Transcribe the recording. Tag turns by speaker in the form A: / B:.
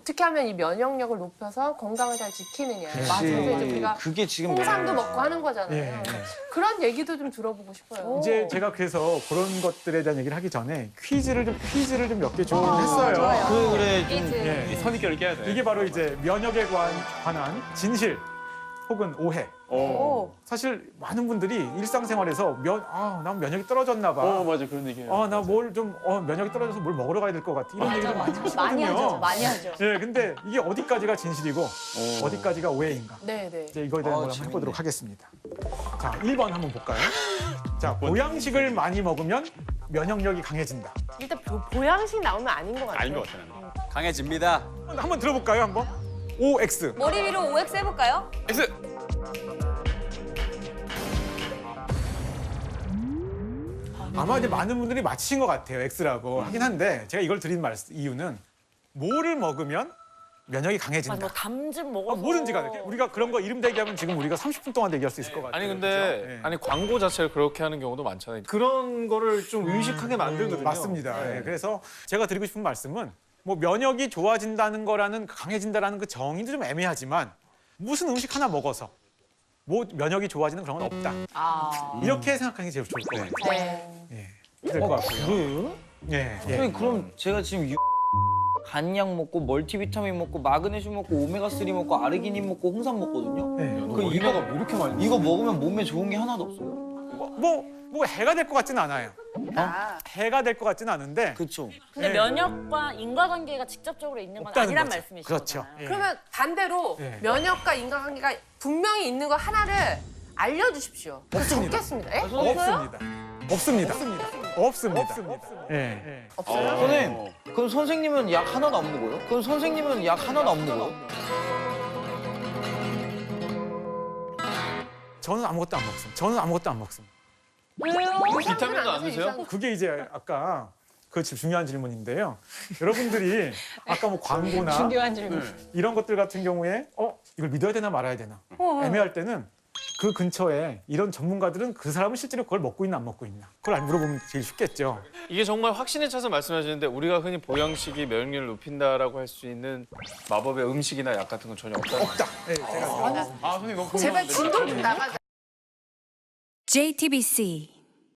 A: 어떻게 하면 이 면역력을 높여서 건강을 잘 지키느냐. 그래서 이제 우리가
B: 그게 지금
A: 홍삼도 먹고 하는 거잖아요.
C: 예.
A: 그런 얘기도 좀 들어보고 싶어요.
C: 이제 제가 그래서 그런 것들에 대한 얘기를 하기 전에 퀴즈를 좀 몇 개 준비했어요.
B: 그래 좀
C: 예.
D: 선입견을 깨야 돼.
C: 이게 바로 이제 면역에 관한 진실 혹은 오해. 사실 많은 분들이 일상생활에서 난 면역이 떨어졌나 봐.
D: 맞아 그런 얘기해요.
C: 나 면역이 떨어져서 뭘 먹으러 가야 될 것 같아. 이런 얘기를 많이 하시거든요.
E: 많이 하죠, 많이 하죠.
C: 예, 근데 이게 어디까지가 진실이고 어디까지가 오해인가.
A: 네네.
C: 이제 이거에 대한 걸 한번 해보도록 하겠습니다. 자, 1번 한번 볼까요? 자, 보양식을 많이 먹으면 면역력이 강해진다.
A: 일단 보양식 나오면 아닌 것 같아요.
D: 아닌 것 같아 나는.
B: 강해집니다.
C: 한번 들어볼까요, 한번? OX.
E: 머리 위로 OX 해볼까요?
D: X.
C: 아마 이제 많은 분들이 맞히신 것 같아요, X라고 하긴 한데 제가 이걸 드린 이유는 뭐를 먹으면 면역이 강해진다.
F: 뭐 담즙 먹어서
C: 뭐든지 간에 우리가 그런 거 이름 대기하면 지금 우리가 30분 동안 대기할 수 있을 것 같아요.
G: 아니 근데
C: 그렇죠? 예.
G: 아니 광고 자체를 그렇게 하는 경우도 많잖아요. 그런 거를 좀 의식하게 만들거든요.
C: 맞습니다. 예, 그래서 제가 드리고 싶은 말씀은 뭐 면역이 좋아진다는 거라는 강해진다라는 그 정의도 좀 애매하지만 무슨 음식 하나 먹어서 뭐 면역이 좋아지는 그런 건 없다. 이렇게 생각하는 게 제일 좋을 것 같아요.
A: 네.
C: 예, 될 것 같고요.
B: 그래요?
C: 예, 예.
B: 선생님 그럼 제가 지금 간약 먹고 멀티비타민 먹고 마그네슘 먹고 오메가3 먹고 아르기닌 먹고 홍삼 먹거든요.
C: 예.
B: 그 이거 먹으면 몸에 좋은 게 하나도 없어요?
C: 뭐 해가 될 것 같지는 않아요. 해가 될 것 같지는 않은데
B: 그렇죠.
F: 근데
C: 네.
F: 면역과 인과관계가 직접적으로 있는 건
C: 없다는
F: 아니란
C: 거죠.
F: 말씀이시죠?
C: 그렇죠. 예.
A: 그러면 반대로
C: 예.
A: 면역과 인과관계가 분명히 있는 거 하나를 알려주십시오.
C: 없습니다.
A: 적겠습니다. 예?
C: 없습니다. 없습니다. 예.
A: 없어요?
B: 선생님, 그럼 선생님은 약 하나도 안 먹어요?
C: 저는 아무것도 안 먹습니다.
F: 왜요?
D: 비타민도 안 드세요?
C: 그게 이제 아까 그 중요한 질문인데요. 여러분들이 아까 뭐 광고나
E: 중요한 질문.
C: 이런 것들 같은 경우에 이걸 믿어야 되나 말아야 되나 애매할 때는 그 근처에 이런 전문가들은 그 사람은 실제로 그걸 먹고 있나 안 먹고 있나 그걸 안 물어보면 제일 쉽겠죠.
G: 이게 정말 확신에 차서 말씀하시는데 우리가 흔히 보양식이 면역력을 높인다라고 할 수 있는 마법의 음식이나 약 같은 건 전혀 없다.
C: 없다. 예, 제가
D: 선생님 너무
A: 제발 진도 좀 나가자.
H: JTBC